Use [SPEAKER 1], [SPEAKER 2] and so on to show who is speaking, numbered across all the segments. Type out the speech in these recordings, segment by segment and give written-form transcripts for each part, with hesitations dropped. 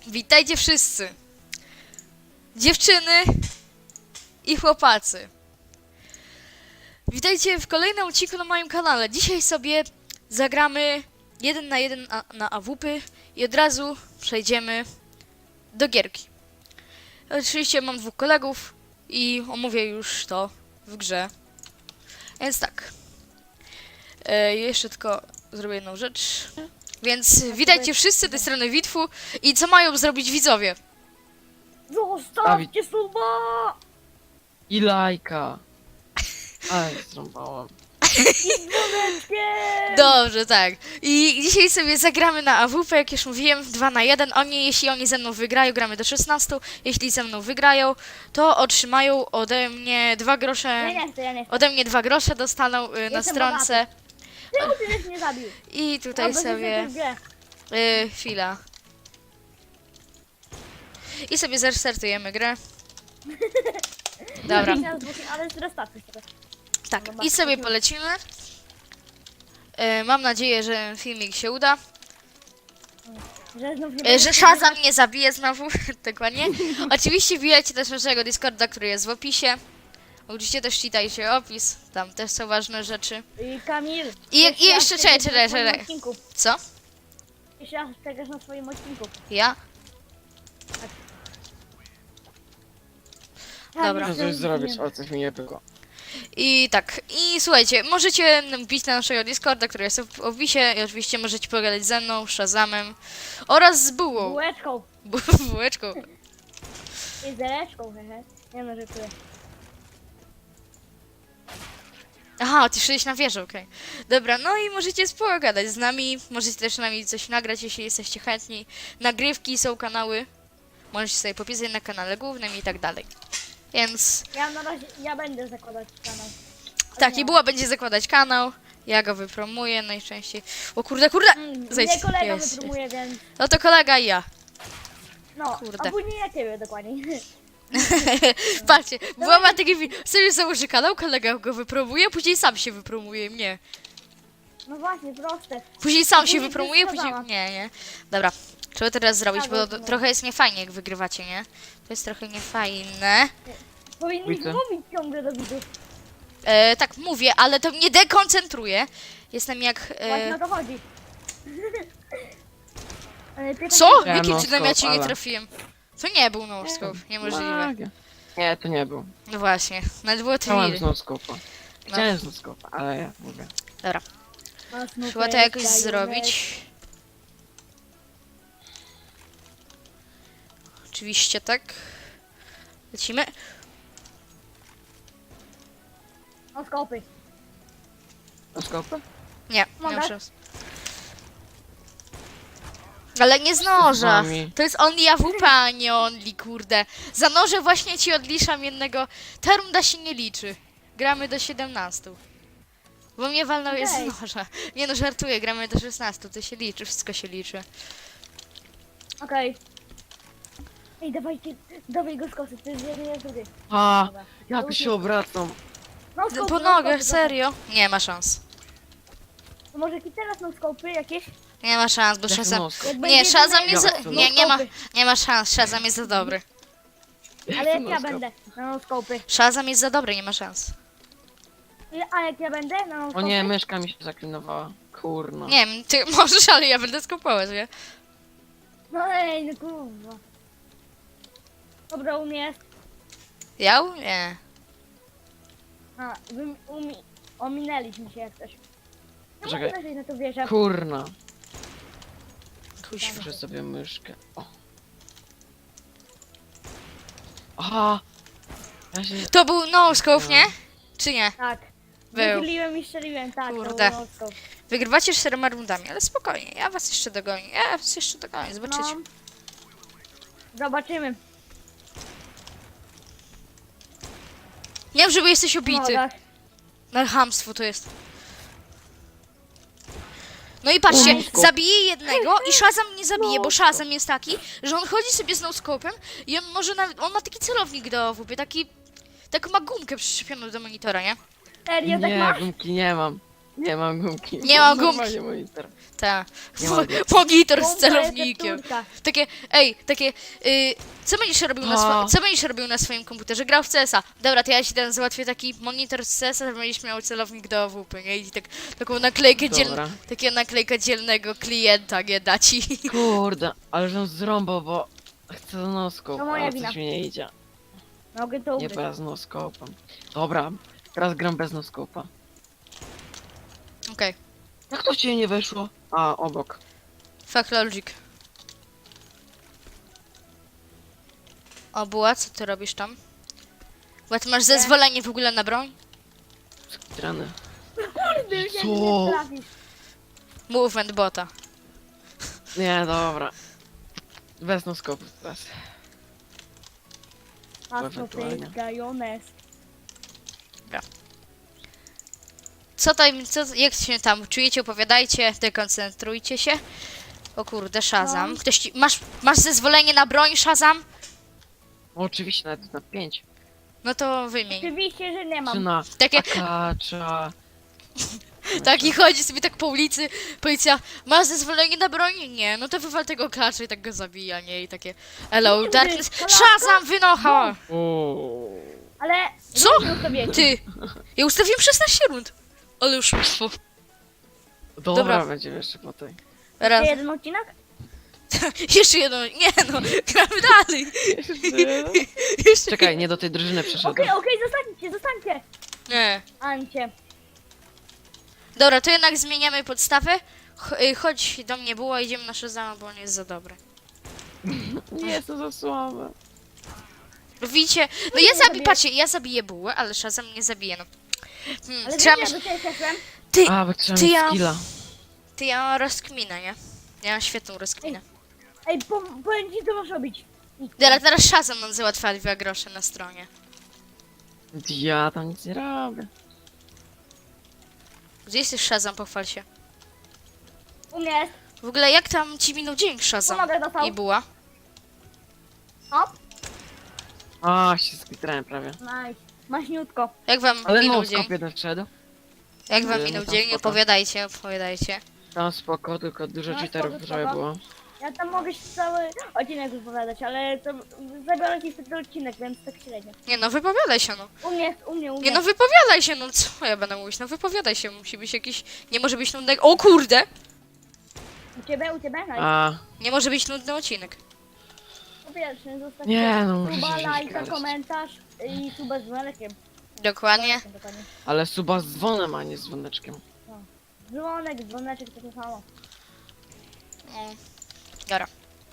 [SPEAKER 1] Witajcie wszyscy. Dziewczyny i chłopacy. Witajcie w kolejnym odcinku na moim kanale. Dzisiaj sobie zagramy 1 na 1 na AWP i od razu przejdziemy do gierki. Oczywiście mam 2 kolegów i omówię już to w grze. Więc tak. Jeszcze tylko zrobię jedną rzecz. Więc witajcie wszyscy, z tej strony Witwu. I co mają zrobić widzowie?
[SPEAKER 2] Zostawcie suba!
[SPEAKER 3] I lajka. Aj, zrąbałam.
[SPEAKER 2] I dzwoneczkiem!
[SPEAKER 1] Dobrze, tak. I dzisiaj sobie zagramy na AWP, jak już mówiłem, 2 na 1. Jeśli oni ze mną wygrają, gramy do 16. Jeśli ze mną wygrają, to otrzymają ode mnie 2 grosze.
[SPEAKER 2] Ja nie chcę.
[SPEAKER 1] Ode mnie 2 grosze dostaną na
[SPEAKER 2] Jestem
[SPEAKER 1] stronce.
[SPEAKER 2] Czemu ty żeś mnie zabił?
[SPEAKER 1] I tutaj
[SPEAKER 2] Albo
[SPEAKER 1] sobie...
[SPEAKER 2] żeś mnie
[SPEAKER 1] chwila. I sobie zrestartujemy grę. Dobra.
[SPEAKER 2] Ale zrestartuj sobie.
[SPEAKER 1] Tak, i sobie polecimy. Mam nadzieję, że filmik się uda.
[SPEAKER 2] Że znów nie
[SPEAKER 1] Że Shazam nie zabije znowu. Dokładnie. Oczywiście wbijajcie też naszego Discorda, który jest w opisie. Oczywiście też czytajcie opis. Tam też są ważne rzeczy.
[SPEAKER 2] I Kamil.
[SPEAKER 1] I jeszcze czekaj. Co?
[SPEAKER 2] Jeszcze raz czekasz na swoim odcinku.
[SPEAKER 1] Ja? Dobra.
[SPEAKER 3] Muszę coś zrobić, ale coś mi nie było.
[SPEAKER 1] I tak. I słuchajcie, możecie wbić na naszego Discorda, który jest w opisie. I oczywiście możecie pogadać ze mną, Shazamem oraz z Bułą.
[SPEAKER 2] Bułeczką.
[SPEAKER 1] Bułeczką.
[SPEAKER 2] I zereczką, hehe. Nie no, żartuję.
[SPEAKER 1] Aha, ty szedłeś na wieżę, okej. Dobra, no i możecie pogadać z nami, możecie też z nami coś nagrać, jeśli jesteście chętni. Nagrywki, są kanały, możecie sobie popisać na kanale głównym i tak dalej. Więc
[SPEAKER 2] Ja na razie, ja będę zakładać kanał.
[SPEAKER 1] tak, i Buła będzie zakładać kanał, ja go wypromuję najczęściej. O kurde, zejdź.
[SPEAKER 2] Mnie kolega
[SPEAKER 1] Jest.
[SPEAKER 2] wypromuje, więc...
[SPEAKER 1] No to kolega i ja.
[SPEAKER 2] No,
[SPEAKER 1] Kurde.
[SPEAKER 2] a później ja ciebie dokładnie.
[SPEAKER 1] Patrzcie, Buła ma taki sobie założy kanał, kolega go wypromuje, później sam się wypromuje mnie.
[SPEAKER 2] No właśnie, proste.
[SPEAKER 1] Później sam się
[SPEAKER 2] Później
[SPEAKER 1] wypromuje, później...
[SPEAKER 2] Shazama.
[SPEAKER 1] Nie. Dobra, trzeba teraz zrobić,
[SPEAKER 2] Tak,
[SPEAKER 1] bo
[SPEAKER 2] no.
[SPEAKER 1] trochę jest niefajnie, jak wygrywacie, nie? To jest trochę niefajne.
[SPEAKER 2] Powinniś
[SPEAKER 3] Widzę.
[SPEAKER 2] mówić ciągle do widzów.
[SPEAKER 1] Tak, mówię, ale to mnie dekoncentruje. Jestem jak...
[SPEAKER 2] Właśnie o to chodzi. Ale pytam
[SPEAKER 1] Co?
[SPEAKER 2] się,
[SPEAKER 3] Ja
[SPEAKER 1] Jakim
[SPEAKER 3] no
[SPEAKER 1] cudem ja cię
[SPEAKER 3] scope,
[SPEAKER 1] nie
[SPEAKER 3] ale-
[SPEAKER 1] trafiłem? To nie był no-scope, niemożliwe.
[SPEAKER 3] Magia. Nie, to nie był.
[SPEAKER 1] No właśnie, nawet było to
[SPEAKER 3] Chciałem
[SPEAKER 1] wiry.
[SPEAKER 3] z noskopa. Chciałem z noskopa, ale ja mówię.
[SPEAKER 1] Dobra,
[SPEAKER 2] Mocno
[SPEAKER 1] trzeba to jakoś
[SPEAKER 2] pęka,
[SPEAKER 1] zrobić. Oczywiście tak. Lecimy.
[SPEAKER 2] No skopy.
[SPEAKER 3] Noskopa?
[SPEAKER 1] Nie, nie
[SPEAKER 2] Mogę?
[SPEAKER 1] mam szans. Ale nie z noża.
[SPEAKER 3] wami?
[SPEAKER 1] To jest only AWP, a nie only, kurde. Za noże właśnie ci odliczam jednego. Ta runda się nie liczy. Gramy do 17. Bo mnie walnął jest
[SPEAKER 2] Okej.
[SPEAKER 1] z noża. Nie no, żartuję, gramy do 16. To się liczy, wszystko się liczy.
[SPEAKER 2] Okej. Ej, dawaj go z kosy, to jest jeden, jest drugi.
[SPEAKER 3] A,
[SPEAKER 2] Dobra.
[SPEAKER 3] jak się obracam.
[SPEAKER 2] No skopy,
[SPEAKER 1] Po
[SPEAKER 2] no
[SPEAKER 1] nogach,
[SPEAKER 2] skopy,
[SPEAKER 1] serio? Nie ma szans.
[SPEAKER 2] To może jakiś teraz no skopy jakieś?
[SPEAKER 1] Nie ma szans, bo
[SPEAKER 3] Jak
[SPEAKER 1] Shazam...
[SPEAKER 3] noskop?
[SPEAKER 2] Jak
[SPEAKER 1] Nie,
[SPEAKER 2] będzie
[SPEAKER 1] Shazam
[SPEAKER 2] jeden
[SPEAKER 1] jest
[SPEAKER 3] Ja
[SPEAKER 1] za...
[SPEAKER 3] chcę
[SPEAKER 1] Nie ma szans, Shazam jest za dobry.
[SPEAKER 2] Ale jak ja
[SPEAKER 3] noskop?
[SPEAKER 2] będę na no skopy.
[SPEAKER 1] Shazam jest za dobry, nie ma szans.
[SPEAKER 2] A jak ja będę na no
[SPEAKER 3] O
[SPEAKER 2] skopy?
[SPEAKER 3] nie, myszka mi się zaklinowała. Kurno.
[SPEAKER 1] Nie wiem, ty możesz, ale ja będę skupować, nie?
[SPEAKER 2] No ej, no kurwa. Dobra, u mnie jest.
[SPEAKER 1] Ja? Nie.
[SPEAKER 2] A, ominęliśmy się jak coś. No
[SPEAKER 3] Czekaj.
[SPEAKER 2] może na to wierzę.
[SPEAKER 3] Kurna.
[SPEAKER 1] Kuźwa.
[SPEAKER 3] Muszę sobie myszkę. O. Aha. Ja się...
[SPEAKER 1] To był no-scope, nie? Czy nie?
[SPEAKER 2] Tak.
[SPEAKER 1] Był.
[SPEAKER 2] Wychyliłem i strzeliłem, tak.
[SPEAKER 1] Kurde.
[SPEAKER 2] To był no-scope.
[SPEAKER 1] Wygrywacie 4 rundami, ale spokojnie, ja was jeszcze dogonię, zobaczycie.
[SPEAKER 2] No. Zobaczymy.
[SPEAKER 1] Nie wiem, żeby jesteś obity.
[SPEAKER 2] Nogach.
[SPEAKER 1] Na chamstwo to jest. No i patrzcie,
[SPEAKER 3] No-scope.
[SPEAKER 1] zabije jednego i Shazam nie zabije, bo
[SPEAKER 3] No-scope.
[SPEAKER 1] Shazam jest taki, że on chodzi sobie z no-scopem i on może nawet, on ma taki celownik do AWP, taką ma gumkę przyczepioną do monitora, nie?
[SPEAKER 2] Serio, tak
[SPEAKER 3] Nie,
[SPEAKER 2] masz?
[SPEAKER 3] gumki nie mam. Nie mam gumki.
[SPEAKER 1] Nie mam gumki.
[SPEAKER 3] Normalnie monitor.
[SPEAKER 1] Ta.
[SPEAKER 3] Nie mogę.
[SPEAKER 1] Monitor z
[SPEAKER 2] Bomba,
[SPEAKER 1] celownikiem.
[SPEAKER 2] recepturka.
[SPEAKER 1] Takie, co będziesz robił co będziesz robił na swoim komputerze? Grał w CS-a. Dobra, to ja ci ten załatwię taki monitor z CS-a, to będziesz miał celownik do AWP, nie? I tak, taką naklejkę
[SPEAKER 3] Dobra.
[SPEAKER 1] takiego naklejka dzielnego klienta, nie da ci.
[SPEAKER 3] Kurde, ale żem zrąbał, bo chcę z noską,
[SPEAKER 2] To moja
[SPEAKER 3] ale
[SPEAKER 2] wina.
[SPEAKER 3] coś mi nie idzie.
[SPEAKER 2] Mogę to
[SPEAKER 3] Nie,
[SPEAKER 2] ugryźć.
[SPEAKER 3] bo ja z noskopem. Dobra, teraz gram bez noskopa.
[SPEAKER 1] Okej,
[SPEAKER 3] Jak to cię nie weszło? A, obok.
[SPEAKER 1] fuck logic. O, Buła, co ty robisz tam? Bo ty masz zezwolenie w ogóle na broń?
[SPEAKER 3] Strany.
[SPEAKER 2] Kurde, jak
[SPEAKER 3] Co?
[SPEAKER 2] nie trafisz.
[SPEAKER 1] Movement bota.
[SPEAKER 3] Nie, dobra. Bez noskopu teraz.
[SPEAKER 2] Patrz,
[SPEAKER 3] Ewentualnie.
[SPEAKER 2] gajones.
[SPEAKER 1] Jak się tam czujecie, opowiadajcie, dekoncentrujcie się. O kurde, Shazam.
[SPEAKER 2] No.
[SPEAKER 1] Ktoś ci, masz zezwolenie na broń, Shazam?
[SPEAKER 3] No, oczywiście nawet na 5.
[SPEAKER 1] No to wymień.
[SPEAKER 2] Oczywiście, że nie
[SPEAKER 3] Czy
[SPEAKER 2] mam.
[SPEAKER 3] na
[SPEAKER 1] Takie,
[SPEAKER 3] akacza.
[SPEAKER 1] taki chodzi sobie tak po ulicy, policja, masz zezwolenie na broń? Nie, no to wywal tego klacza i tak go zabija, nie? I takie, hello,
[SPEAKER 2] Kurde,
[SPEAKER 1] darkness,
[SPEAKER 2] klacka?
[SPEAKER 1] Shazam, wynocha!
[SPEAKER 2] Ale...
[SPEAKER 1] Co?
[SPEAKER 2] nie sobie.
[SPEAKER 1] Ty, ja ustawiłem 16 rund. Ale już
[SPEAKER 3] Dobra,
[SPEAKER 1] Dobra.
[SPEAKER 3] będziemy jeszcze po tej.
[SPEAKER 1] raz.
[SPEAKER 2] Jeszcze jeden odcinek?
[SPEAKER 1] Jeszcze jedno, nie no, gramy dalej. Jeszcze
[SPEAKER 3] Czekaj, nie do tej drużyny przeszedłem.
[SPEAKER 2] Okej, zostańcie.
[SPEAKER 1] Nie.
[SPEAKER 2] Ancie.
[SPEAKER 1] Dobra, to jednak zmieniamy podstawę. Chodź do mnie było, idziemy na Shazama, bo on jest za dobry.
[SPEAKER 3] Nie jest to za słabe.
[SPEAKER 1] Widzicie? No ja zabiję, patrzcie, ja zabiję bułę, ale Shazam nie zabije, no.
[SPEAKER 2] Ale
[SPEAKER 1] Trzeba
[SPEAKER 2] wiesz,
[SPEAKER 1] myśl...
[SPEAKER 2] ja do ciebie szedłem.
[SPEAKER 1] Ty,
[SPEAKER 3] A, bo trzeba
[SPEAKER 1] ty
[SPEAKER 3] mieć
[SPEAKER 1] ja-
[SPEAKER 3] skilla.
[SPEAKER 1] ja mam rozkminę, nie? Ja mam świetną rozkminę.
[SPEAKER 2] Ej, powiem ci, co masz robić. Idź.
[SPEAKER 1] Dobra, teraz Shazam nam załatwia 2 grosze na stronie.
[SPEAKER 3] Ja tam nic nie robię.
[SPEAKER 1] Gdzie jesteś Shazam? Pochwal się.
[SPEAKER 2] U mnie jest.
[SPEAKER 1] W ogóle jak tam ci minął dzień Shazam
[SPEAKER 2] Pomogę dostał.
[SPEAKER 1] i buła?
[SPEAKER 2] Hop.
[SPEAKER 3] A, się skitrałem prawie.
[SPEAKER 2] Nice. Maśniutko.
[SPEAKER 1] Jak wam
[SPEAKER 3] Ale
[SPEAKER 1] minął
[SPEAKER 3] no,
[SPEAKER 1] dzień?
[SPEAKER 3] skop jeden wszedł.
[SPEAKER 1] Jak wam
[SPEAKER 3] Nie,
[SPEAKER 1] minął
[SPEAKER 3] no tam
[SPEAKER 1] dzień?
[SPEAKER 3] spoko.
[SPEAKER 1] Opowiadajcie.
[SPEAKER 3] Tam spoko, tylko dużo
[SPEAKER 2] No,
[SPEAKER 3] cheaterów
[SPEAKER 2] spoko,
[SPEAKER 3] prawie
[SPEAKER 2] spoko.
[SPEAKER 3] było.
[SPEAKER 2] Ja tam mogę się cały odcinek wypowiadać, ale to zabiorę ci wtedy odcinek, więc tak średnio.
[SPEAKER 1] Nie no, wypowiadaj się no.
[SPEAKER 2] U mnie.
[SPEAKER 1] Nie no, wypowiadaj się, no co ja będę mówić? No wypowiadaj się, musi być jakiś... Nie może być nudny... O kurde!
[SPEAKER 2] U ciebie? Nice.
[SPEAKER 3] A,
[SPEAKER 1] Nie może być nudny odcinek.
[SPEAKER 2] Po pierwsze, zostaw
[SPEAKER 3] nie no, muszę
[SPEAKER 2] suba,
[SPEAKER 3] się
[SPEAKER 2] lajka,
[SPEAKER 3] gadać.
[SPEAKER 2] komentarz i suba z dzwoneczkiem.
[SPEAKER 1] Dokładnie.
[SPEAKER 2] Dokładnie.
[SPEAKER 3] Ale suba z dzwonem, a nie z dzwoneczkiem.
[SPEAKER 2] Dzwoneczek to samo.
[SPEAKER 1] Mm. Dobra.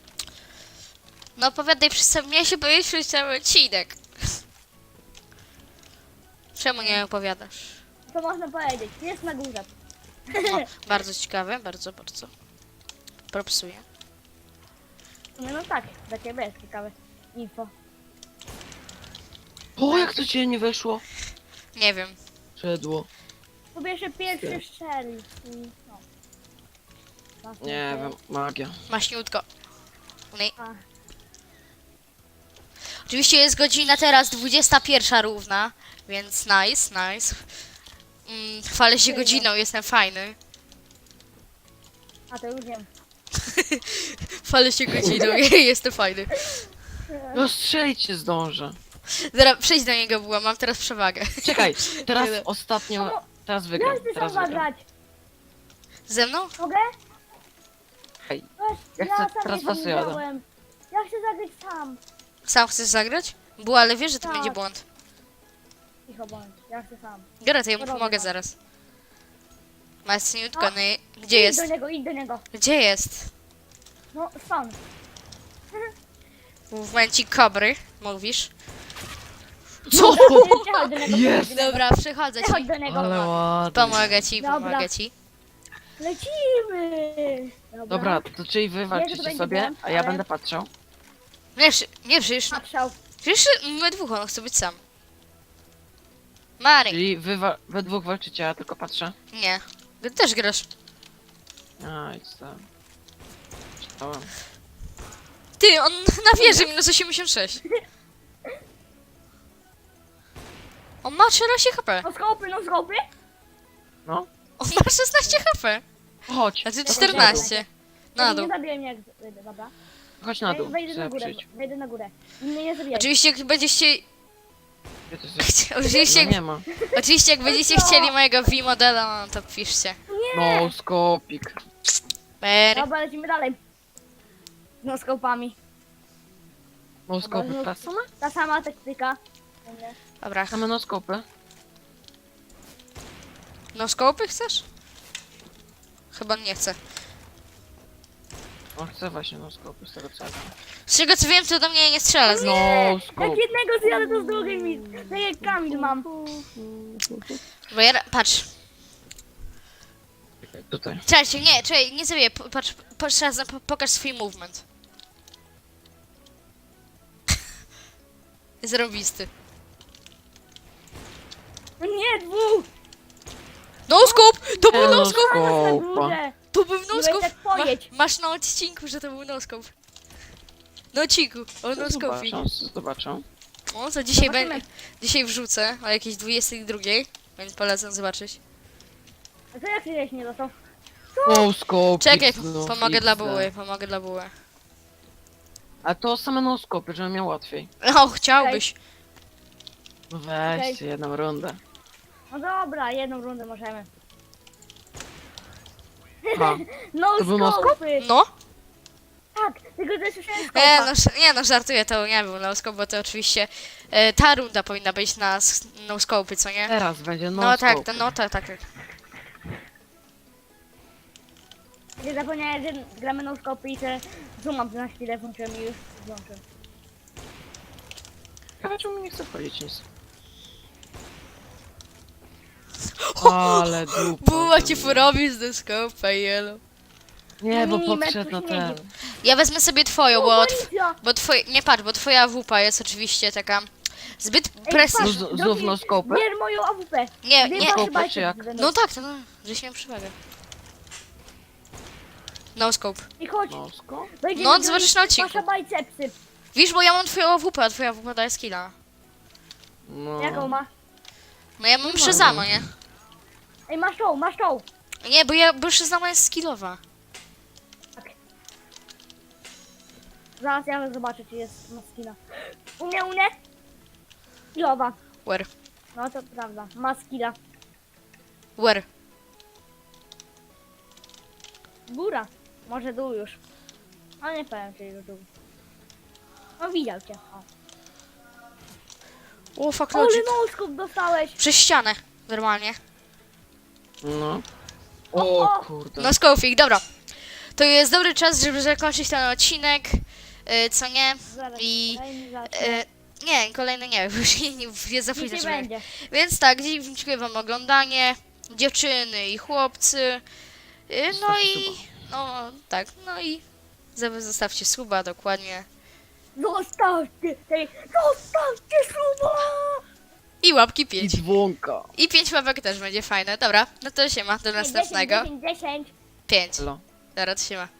[SPEAKER 1] No opowiadaj przez cały... Miałeś się powiedzieć przez cały odcinek. Czemu nie opowiadasz?
[SPEAKER 2] Co można powiedzieć? Jest na górze.
[SPEAKER 1] O, bardzo ciekawe, bardzo, bardzo. Propsuję.
[SPEAKER 2] No tak, dla ciebie jest ciekawe info.
[SPEAKER 3] O, jak to cię nie weszło?
[SPEAKER 1] Nie wiem.
[SPEAKER 3] Szedło.
[SPEAKER 2] Po pierwsze pierwszy strzelił i no. Tak,
[SPEAKER 3] Nie
[SPEAKER 2] tak.
[SPEAKER 3] wiem, magia.
[SPEAKER 1] Maśniutko. Nie.
[SPEAKER 2] A,
[SPEAKER 1] Oczywiście jest godzina teraz 21 równa, więc nice. Chwalę się godziną, jestem fajny.
[SPEAKER 2] a to już wiem.
[SPEAKER 1] Chwalę się godziną, jestem fajny.
[SPEAKER 3] No strzelić się zdążę.
[SPEAKER 1] Zaraz przejdź do niego, była, mam teraz przewagę.
[SPEAKER 3] Czekaj, teraz
[SPEAKER 1] Tyle.
[SPEAKER 3] ostatnio... Teraz
[SPEAKER 2] Ja
[SPEAKER 3] wygram,
[SPEAKER 2] chcę
[SPEAKER 3] teraz
[SPEAKER 2] sam
[SPEAKER 3] wygram.
[SPEAKER 2] zagrać.
[SPEAKER 1] Ze mną?
[SPEAKER 2] Mogę?
[SPEAKER 3] Hej,
[SPEAKER 2] Weź,
[SPEAKER 3] Ja
[SPEAKER 2] ja
[SPEAKER 3] chcę
[SPEAKER 2] sam
[SPEAKER 3] teraz
[SPEAKER 2] jeszcze
[SPEAKER 3] was
[SPEAKER 2] nie
[SPEAKER 3] jadę.
[SPEAKER 2] grałem. Ja chcę zagrać sam.
[SPEAKER 1] Sam chcesz zagrać? Była, ale wiesz, że to
[SPEAKER 2] Tak.
[SPEAKER 1] będzie błąd.
[SPEAKER 2] Cicho bądź, ja chcę sam.
[SPEAKER 1] Dobra, to ja mu
[SPEAKER 2] Robię
[SPEAKER 1] pomogę
[SPEAKER 2] tak.
[SPEAKER 1] zaraz. Maśniutko,
[SPEAKER 2] A,
[SPEAKER 1] no i gdzie jest?
[SPEAKER 2] Idź do niego.
[SPEAKER 1] Gdzie jest?
[SPEAKER 2] No, spawn.
[SPEAKER 1] W momencie kobry, mówisz?
[SPEAKER 3] Co?
[SPEAKER 2] Przechodź do niego.
[SPEAKER 3] Jest!
[SPEAKER 2] przechodź do niego.
[SPEAKER 1] Dobra, przychodzę
[SPEAKER 2] Przechodź
[SPEAKER 1] ci.
[SPEAKER 2] do niego.
[SPEAKER 3] Ale ładnie.
[SPEAKER 1] Pomogę ci,
[SPEAKER 2] Dobra.
[SPEAKER 1] pomogę ci.
[SPEAKER 2] Lecimy.
[SPEAKER 3] Dobra, to czyli wy
[SPEAKER 2] to
[SPEAKER 3] walczycie
[SPEAKER 2] będzie
[SPEAKER 3] sobie,
[SPEAKER 2] błąd,
[SPEAKER 3] a ja
[SPEAKER 2] ale-
[SPEAKER 3] będę patrzał.
[SPEAKER 1] Nie, przecież,
[SPEAKER 2] Patrzał.
[SPEAKER 1] przecież my dwóch, on chce być sam. Mary,
[SPEAKER 3] Czyli we dwóch walczycie, a ja tylko patrzę.
[SPEAKER 1] nie. Ty też grasz.
[SPEAKER 3] A, idź tam. Czytałem.
[SPEAKER 1] Ty, on na wieży minus 86. On ma 13 HP.
[SPEAKER 2] No skopy.
[SPEAKER 3] No,
[SPEAKER 1] On ma 16 HP.
[SPEAKER 3] Chodź.
[SPEAKER 1] Znaczy
[SPEAKER 3] chodź
[SPEAKER 1] 14. Na
[SPEAKER 2] Nie
[SPEAKER 1] dół.
[SPEAKER 2] zabijaj mnie jak wyjdę, dobra?
[SPEAKER 3] Chodź na dół.
[SPEAKER 2] Wejdę na
[SPEAKER 3] Chcę
[SPEAKER 2] górę,
[SPEAKER 3] przyjść.
[SPEAKER 2] wejdę na górę. Mnie nie zabijaj.
[SPEAKER 1] Oczywiście jak będziecie...
[SPEAKER 3] Gdzie ty jesteś?
[SPEAKER 1] Oczywiście,
[SPEAKER 3] No nie ma.
[SPEAKER 1] oczywiście jak będziecie chcieli mojego V-modela, no to piszcie.
[SPEAKER 3] No, skopik.
[SPEAKER 1] Mary.
[SPEAKER 2] Dobra, lecimy dalej. No skopami.
[SPEAKER 3] No skopy, ta sama?
[SPEAKER 2] Ta sama taktyka.
[SPEAKER 1] Dobra,
[SPEAKER 3] Same no skopy.
[SPEAKER 1] no skopy chcesz? Chyba nie chcę.
[SPEAKER 3] No chcę właśnie no skopy, z tego co ja wiem.
[SPEAKER 1] Z tego co wiem, to do mnie nie strzela z nich.
[SPEAKER 3] No
[SPEAKER 2] Jak
[SPEAKER 3] skop.
[SPEAKER 2] jednego zjadę, to z drugiej mi. Tak jak Kamil mam.
[SPEAKER 1] Bo ja... Patrz.
[SPEAKER 3] Tutaj.
[SPEAKER 1] Czekajcie, nie, czekaj, nie zabiję. Patrz raz, pokaż swój movement. Zarobisty.
[SPEAKER 2] Nie, dwóch!
[SPEAKER 1] No scope! To był
[SPEAKER 3] No
[SPEAKER 1] no scope!
[SPEAKER 2] Na
[SPEAKER 3] skopa.
[SPEAKER 2] górze.
[SPEAKER 1] To był no
[SPEAKER 2] Nie
[SPEAKER 1] scope!
[SPEAKER 2] tak pojedź.
[SPEAKER 1] Masz na odcinku, że to był no scope. No odcinku, o no scope.
[SPEAKER 3] Zobaczę.
[SPEAKER 1] O, co dzisiaj
[SPEAKER 2] Zobaczymy.
[SPEAKER 1] będzie. Dzisiaj wrzucę o jakiejś 22, więc polecam zobaczyć.
[SPEAKER 2] A co jak się nie dostał?
[SPEAKER 3] No skopik.
[SPEAKER 1] Czekaj,
[SPEAKER 3] no,
[SPEAKER 1] pomogę dla
[SPEAKER 3] XD.
[SPEAKER 1] buły, pomogę dla buły.
[SPEAKER 3] A to same no skopy, żebym miał łatwiej.
[SPEAKER 1] O, chciałbyś.
[SPEAKER 3] No weźcie jedną rundę.
[SPEAKER 2] No dobra, jedną rundę możemy.
[SPEAKER 3] Ha.
[SPEAKER 2] No
[SPEAKER 3] To był no
[SPEAKER 2] skopy!
[SPEAKER 1] No?
[SPEAKER 2] Tak, tylko też słyszałem
[SPEAKER 1] Nie
[SPEAKER 2] skopa.
[SPEAKER 1] no, nie no, żartuję, to nie był no scope, bo to oczywiście ta runda powinna być na no scope, co nie?
[SPEAKER 3] Teraz będzie no,
[SPEAKER 1] No tak,
[SPEAKER 3] skopy.
[SPEAKER 1] no tak, tak.
[SPEAKER 2] Nie zapomniałem, że gramy no skopy i że zoomam na chwilę, włączyłem i już włączyłem.
[SPEAKER 3] Ciekawe, czemu mi nie chce wchodzić nic. Ale dupa.
[SPEAKER 1] Buła ci porobi z no scope, jelo.
[SPEAKER 3] Nie, bo
[SPEAKER 2] Milimetr
[SPEAKER 3] podszedł na
[SPEAKER 2] śniegu.
[SPEAKER 3] ten.
[SPEAKER 1] Ja wezmę sobie twoją, bo...
[SPEAKER 2] Policja!
[SPEAKER 1] Bo twoje, nie patrz, bo twoja wupa jest oczywiście taka zbyt
[SPEAKER 2] Ej,
[SPEAKER 1] prestiż.
[SPEAKER 2] patrz,
[SPEAKER 3] Znów no skopy?
[SPEAKER 2] Bierz moją AWP.
[SPEAKER 1] Nie,
[SPEAKER 2] Dwie
[SPEAKER 1] nie.
[SPEAKER 2] wasze
[SPEAKER 3] Skopy,
[SPEAKER 2] bajki
[SPEAKER 3] czy jak?
[SPEAKER 2] będą.
[SPEAKER 1] No tak, to no, żeś miał przewagę. No scope.
[SPEAKER 2] I chodź,
[SPEAKER 3] No skop?
[SPEAKER 2] wejdziemy
[SPEAKER 1] No,
[SPEAKER 2] do
[SPEAKER 1] zobaczysz na odcinku.
[SPEAKER 2] Wasza bajcepsy.
[SPEAKER 1] Widzisz, bo ja mam twoją WP, a twoja WP daje skilla.
[SPEAKER 3] No.
[SPEAKER 2] Jaką ma?
[SPEAKER 1] No ja mam Shazama, nie?
[SPEAKER 2] Ej, masz tą, masz tą.
[SPEAKER 1] Nie, bo Shazama jest skillowa.
[SPEAKER 2] Zaraz ja zobaczę, czy jest maskina. U mnie? Skillowa.
[SPEAKER 1] Where?
[SPEAKER 2] No to prawda, ma skilla.
[SPEAKER 1] Where?
[SPEAKER 2] Góra. Może dół już. No nie powiem, czy już dół. No widział cię. O.
[SPEAKER 1] O, fuck
[SPEAKER 2] Ale
[SPEAKER 1] logic.
[SPEAKER 2] noskup dostałeś.
[SPEAKER 1] Przez ścianę, normalnie.
[SPEAKER 3] No.
[SPEAKER 2] O,
[SPEAKER 3] O
[SPEAKER 2] o.
[SPEAKER 3] kurde.
[SPEAKER 1] No scoping, dobra. To jest dobry czas, żeby zakończyć ten odcinek, co nie?
[SPEAKER 2] Zaraz,
[SPEAKER 1] I...
[SPEAKER 2] kolejny zacznę.
[SPEAKER 1] Nie, kolejny nie, bo już nie za
[SPEAKER 2] Nic
[SPEAKER 1] późno,
[SPEAKER 2] nie
[SPEAKER 1] żeby...
[SPEAKER 2] będzie.
[SPEAKER 1] Więc tak, dziękuję wam oglądanie, dziewczyny i chłopcy. No
[SPEAKER 3] Zostawcie
[SPEAKER 1] i...
[SPEAKER 3] suba.
[SPEAKER 1] No tak, no i... Zostawcie suba, dokładnie.
[SPEAKER 2] Zostawcie suba!
[SPEAKER 1] I łapki
[SPEAKER 3] I
[SPEAKER 1] 5.
[SPEAKER 3] dzwonka.
[SPEAKER 1] I 5 łapek też będzie fajne. Dobra, no to siema, do następnego.
[SPEAKER 2] 10.
[SPEAKER 1] 5.
[SPEAKER 3] Elo.
[SPEAKER 1] Dobra, to siema.